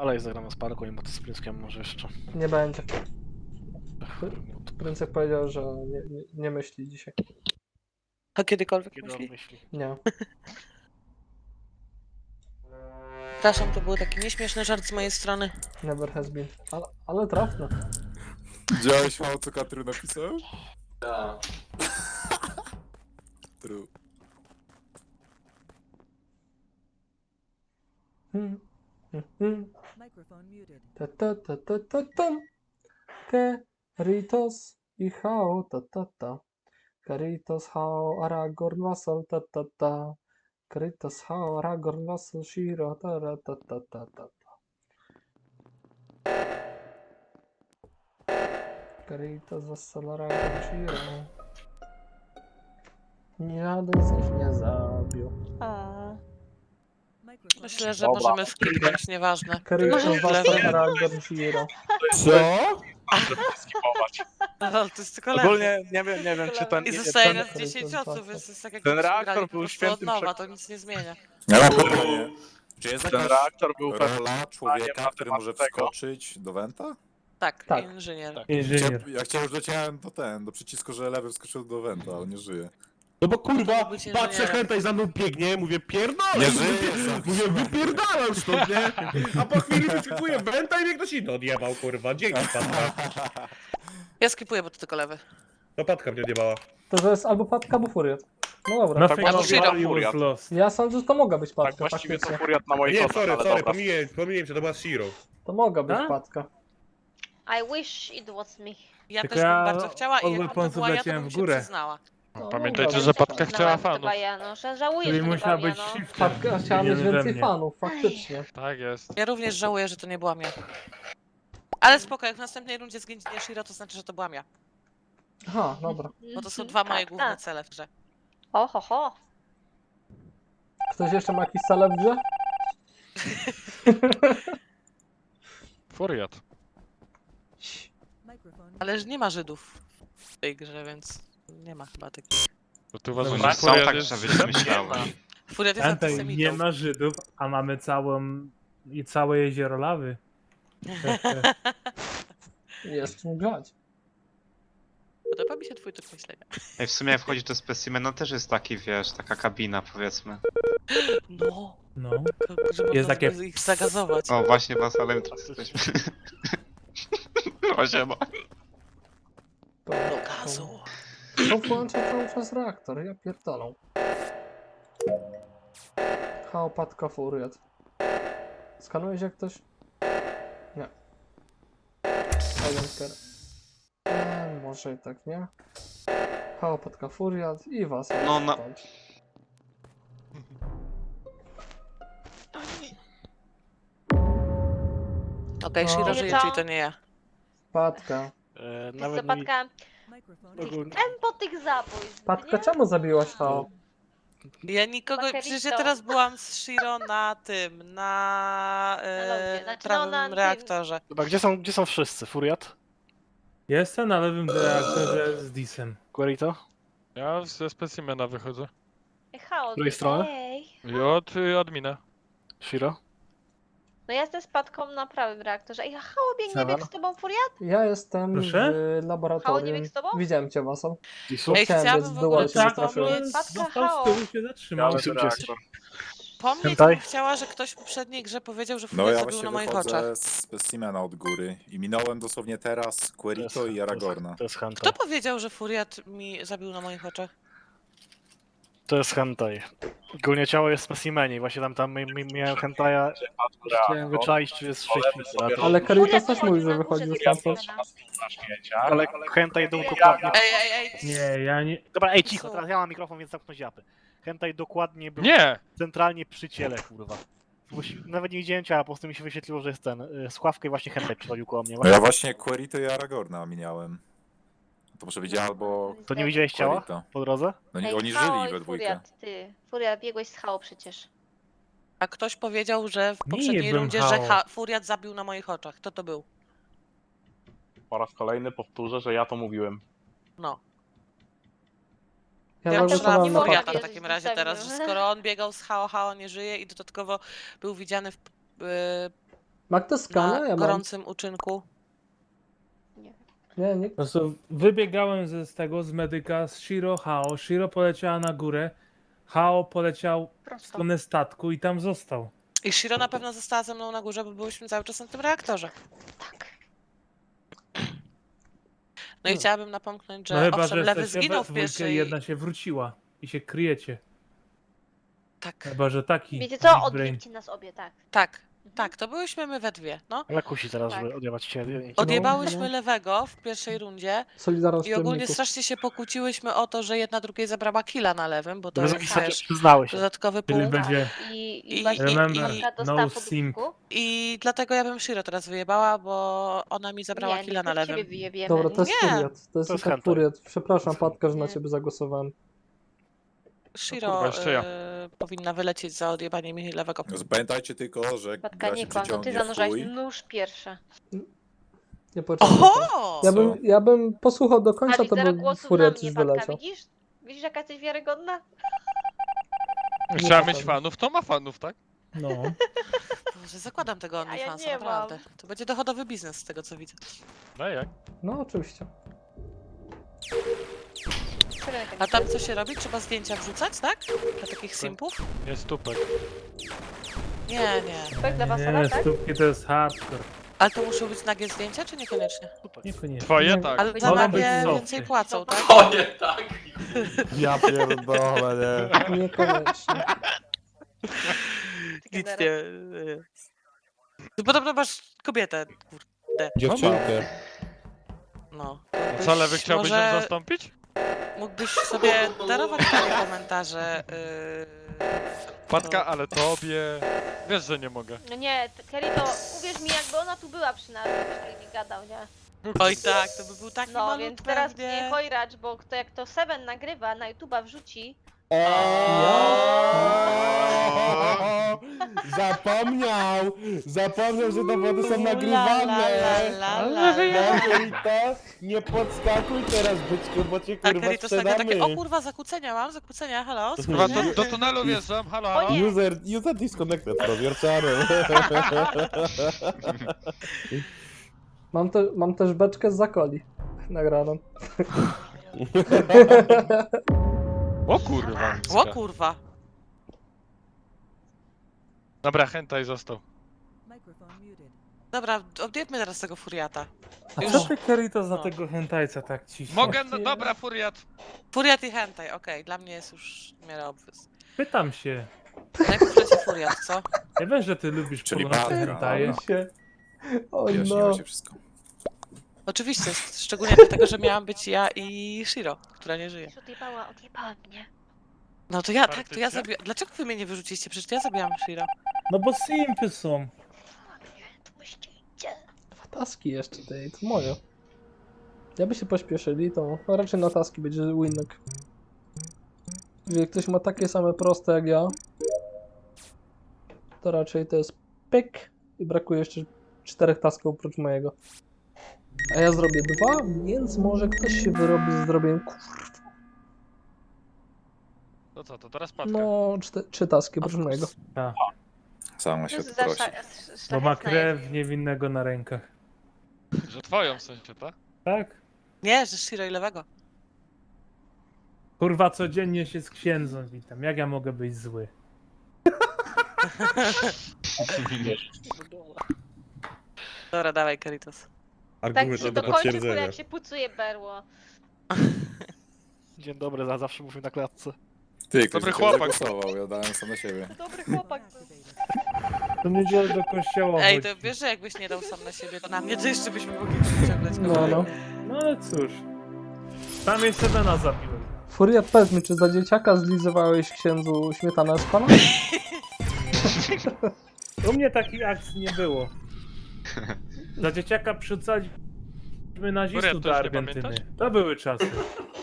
Kolej zagramy z parku i motocykliskiem może jeszcze. Nie będzie. Princek powiedział, że nie myśli dzisiaj. A kiedykolwiek Kiedy on myśli? myśli? Nie. Przepraszam, to był taki nieśmieszny żart z mojej strony. Never has been. Ale trafne. Widziałeś mało co Katru napisał? Tak. True. Microphone muted. Ta. Keritos i Hao ta. Keritos, Hao, Aragorn, Vassal ta. Keritos, Hao, Aragorn, Vassal, Shiro ta. Keritos, Vassal, Aragorn, Shiro. Żaden z nich nie zabił. Microphone Myślę, że Dobra. możemy skipnąć, nieważne. Keritos, Może Vassal, lewy. Aragorn, Shiro. Co? Skipować. No, to jest tylko lewy. Ogólnie nie wiem czy ten... I zostaje ten- nas 10 osób, więc to jest tak jak ten byśmy reaktor grali po był prostu świętym od nowa, to nic nie zmienia. Ja mam pytanie. Czy jest Ten jakaś reaktor był pewnie... rola człowieka, na który temat może tego. wskoczyć do Wenta? Tak, Tak. inżynier. Tak. Inżynier. Ja już dociąłem do przycisku, że lewy wskoczył do Wenta, ale nie żyje. No bo kurwa, być patrzę inżynierem. chętaj za mną biegnie, mówię pierdolę! Nie żyje, Mówię wypierdalam stąd, nie? A po chwili wyszukuję wenta i mnie ktoś inny odjebał, kurwa. Dzięki, Patka. Ja skipuję, bo to tylko lewy. To Patka mnie odjebała. To jest albo Patka, albo Furiat. No dobra. Tak Albo właściwie Shiro. to Furiat. Ja sądzę, że to mogła być Tak Patka, właściwie to faktycznie. Furiat na moich Nie, oczach, sorry, ale sorry, dobra. pomyliłem się, to była Shiro. To mogła być A? Patka. I wish it was me. Ja Tylko też bym ja bardzo chciała i od jakby to weaponsów była ja, to leciałem bym w się górę. przyznała. No, Pamiętajcie, mogła że być. Patka chciała Znałam fanów. chyba ja, no, żałuję, Czyli że nie musiała byłam być ja, no. shiftem. Patka chciała nie mieć we więcej mnie. fanów, faktycznie. Tak jest. Ja również żałuję, że to nie byłam ja. Ale spoko, jak w następnej rundzie zginie Shiro, to znaczy, że to byłam ja. Aha, dobra. Bo to są dwa moje Tak, główne tak. cele w grze. Ho. Ktoś jeszcze ma jakiś celeb w grze? Furiat. Microphone Ale że nie ma Żydów w tej grze, więc nie ma chyba takich. Bo ty uważasz, Dobra. że Są Furiat tak, jest... żebyś myślałeś. Furiat jest Chętaj nie antysemitą. ma Żydów, a mamy całe jezioro lawy. Jest czym grać. Podoba mi się twój tok myślenia. Ej, w sumie jak wchodzisz do specimena też jest taki, wiesz, taka kabina powiedzmy. No, No. że można Jest takie- ich zagazować. O, właśnie Wasalem teraz jesteśmy. O, siema. Do gazu. To włącza cały czas reaktor, ja pierdolę. Hao, Patka, Furiat. Skanujesz jak ktoś? Nie. Agenker. Może i tak nie. Hao, Patka, Furiat i was. No, no. Okej, No. Shiro Wiecie żyje, co? czyli to nie ja. Patka. Nawet nie... Zapadka, Microphone Ogólnie... po tych zabójstw, Patka, nie? czemu zabiłaś Hao? Ja nikogo, Bakerito. przecież ja teraz byłam z Shiro na tym, na lądzie, znaczy, prawym no, na tym. reaktorze. Dobra, gdzie są wszyscy? Furiat? Jestem na lewym reaktorze z Disem. Querito? Ja ze specimena wychodzę. Hao, Z której strony? ej. I od admina. Shiro? No ja jestem z Patką na prawym reaktorze. Ej, Hao biegnie Seven? bieg z tobą, Furiat? Ja jestem Proszę? w Hao, laboratorium. nie bieg z tobą? Widziałem cię, Wasal. Disu? Ej, Chciałem chciałabym biec w w dół, ogóle ale się nie Patka, trafiłem. Patka, Został z Hao. tyłu się zatrzymał. Miałem reaktor. Pomnieć Hentai? bym chciała, że ktoś w poprzedniej grze powiedział, że No Furiat ja zabił właśnie na moich oczach. wychodzę z specimena od góry i minąłem dosłownie teraz Querito i Aragorna. To jest hentai. Kto powiedział, że Furiat mi zabił na moich oczach? To jest hentai. Ogólnie ciało jest w specimenie i właśnie tam miałem hentaja. Chciałem wyczaić, czy jest szczęśliwy. Ale Keritos Furiat też wychodzi mówi, że na wychodzi górze z stamtąd. specimena. Ale hentai dokładnie... Ej! Nie, ja nie... Dobra, ej, cicho, teraz ja mam mikrofon, więc zamknąć japy. Hentai dokładnie był Nie! centralnie przy ciele, kurwa. Nawet nie widziałem ciała, po prostu mi się wyświetliło, że jest ten, Sławka i właśnie hentai przychodził koło mnie. No ja właśnie Querito i Aragorna minąłem. To może być albo To nie widziałeś ciała Querito. po drodze? No nie, Ej, oni Hao żyli i we dwójkę. Furiat, ty. Furiat, biegłeś z Hao przecież. A ktoś powiedział, że w Nie poprzedniej jebem rundzie, Hao. że Furiat zabił na moich oczach. Kto to był? Po raz kolejny powtórzę, że ja to mówiłem. No. Ja Ja zagłosowałem strzelam na w Furiata. Furiata Patkę. w takim razie teraz, że skoro on biegał z Hao nie żyje i dodatkowo był widziany w Ma ktoś skanę? na Ja mam. gorącym uczynku. Nie, nie. Po prostu wybiegałem z tego, z medyka, z Shiro, Hao. Shiro poleciała na górę. Hao poleciał w Prosto. stronę statku i tam został. I Shiro na pewno została ze mną na górze, bo byliśmy cały czas na tym reaktorze. Tak. No i chciałabym napomknąć, że No chyba, owszem, że Lewy jesteście zginął we w dwójkę pierwszej... i jedna się wróciła. I się kryjecie. Tak, Chyba, że taki Wiecie big co? brain. Odbijcie nas obie, tak. tak, to byłyśmy my we dwie, no. Ale kusi teraz, Tak. żeby odjebać się. Odjebałyśmy no. Lewego w pierwszej rundzie Solidarność i ogólnie plemników. strasznie się pokłóciłyśmy o to, że jedna drugiej zabrała killa na Lewym, bo to Bez jest jakichś też przyznały się. dodatkowy Czyli punkt. będzie I I- właśnie remember, Iwonka no dostała po simp. dupku. I dlatego ja bym Shiro teraz wyjebała, bo ona mi zabrała Nie, killa nie, na to ciebie Lewym. wyjebiemy. Dobra, to jest Nie. furiat. To jest To jest tak hentai. furiat. Przepraszam, Patka, że na Nie. ciebie zagłosowałem. Shiro kurwa, jeszcze ja. powinna wylecieć za odjebanie mi Lewego. Pamiętajcie tylko, że Patka, gra nie się kłam, to ty przeciągnie w zanurzasz chuj. nóż pierwsze. Nie poczekaj. Oho! Ja bym posłuchał do końca, Patrz, to zero by głosów na furiat mnie, już Patka, wyleciał. widzisz? Widzisz, jaka jesteś wiarygodna? Chciała ma mieć fanów. fanów, to ma fanów, tak? No. Boże, zakładam tego ja OnlyFansa, nie naprawdę. To będzie dochodowy biznes z tego, co widzę. No jak? No, oczywiście. A tam co się robi? Trzeba zdjęcia wrzucać, tak? Dla takich simpów? Jest tupek. Nie, nie. Tak dla was, Nie, tak? stópki to jest hardcore. Ale to muszą być nagie zdjęcia, czy niekoniecznie? Niekoniecznie. Twoje Nie. tak. Ale za Mogą być nagie softy. więcej płacą, tak? Ja pierdolę, nie. Niekoniecznie. Nic nie. Podobno masz kobietę, kurde. Dziewczynkę. No. A co, Lewy chciałbyś ją może zastąpić? mógłbyś sobie darować takie komentarze. Patka, ale tobie... Wiesz, że nie mogę. No nie, Kelly, to uwierz mi, jakby ona tu była przy nas, byś tak nie gadał, nie? Oj tak, to by był taki No, malutki więc teraz pewnie. nie chojracz, bo kto, jak to Seven nagrywa, na YouTube'a wrzuci, Zapomniał, że dowody są La, nagrywane! la, la, la, la. To nie podskakuj teraz, byczku, bo cię A kurwa Kelly to nagle takie, o sprzedamy! kurwa, zakłócenia mam, zakłócenia, halo? Chyba spokojnie. do tunelu wjeżdżam, halo, O halo. nie. User disconnected from your channel. Mam też beczkę z zakoli nagraną. O kurwa. O kurwa. Dobra, hentai został. Dobra, odjedźmy teraz tego furiata. A Już. co ty, Kerry, to za No. tego hentajca tak ciśnie? Mogę, no, dobra, furiat. Furiat i hentai, okej, dla mnie jest już w miarę obwys. Pytam się. Najpierw leci furiat, co? Ja wiem, że ty lubisz Czyli pornowe Patka, hentaje. O Wyjaśniło no. się wszystko. Oczywiście, szczególnie dlatego, że miałam być ja i Shiro, która nie żyje. odjebała mnie. No to ja, tak, to ja Faktycznie? zabiłam. Dlaczego wy mnie nie wyrzuciliście? Przecież to ja zabiłam Shiro. No bo simpy są. To myślicie. Dwa taski jeszcze, tej, to moje. Jakby się pośpieszyli, to raczej na taski będzie winek. Jak ktoś ma takie same proste jak ja, to raczej to jest pyk i brakuje jeszcze 4 tasków oprócz mojego. A ja zrobię 2, więc może ktoś się wyrobi z zrobieniem To co, to teraz Patka. no 3 taski oprócz mojego. Sama się To tu za prosi. Bo ma szlachetna krew niewinnego na rękach. Że twoją w sensie, tak? Tak? Nie, że Shiro i Lewego. Kurwa, codziennie się z księdzem witam. Jak ja mogę być zły? Dobra, dawaj, Karitos. Tak Argument się do dokończy, kurwa, potwierdzenia. jak się pucuje berło. Dzień dobry, zawsze mówił na klatce. Ty, ktoś Dobry na ciebie chłopak. zagłosował, ja dałem sam na siebie. Dobry chłopak. To niedzielę do kościoła Ej, chodzi. to wiesz, że jakbyś nie dał sam na siebie, to na mnie to jeszcze byśmy mogli przyciągać No. No ale cóż. Tam jeszcze Dana zabiłem. Furiat, powiedz mi, czy za dzieciaka zlizywałeś księdzu śmietanę z pana? U mnie takich akcji nie było. Za dzieciaka przyrzucaliśmy nazistów Furiat, to do już nie Argentyny. pamiętasz? To były czasy.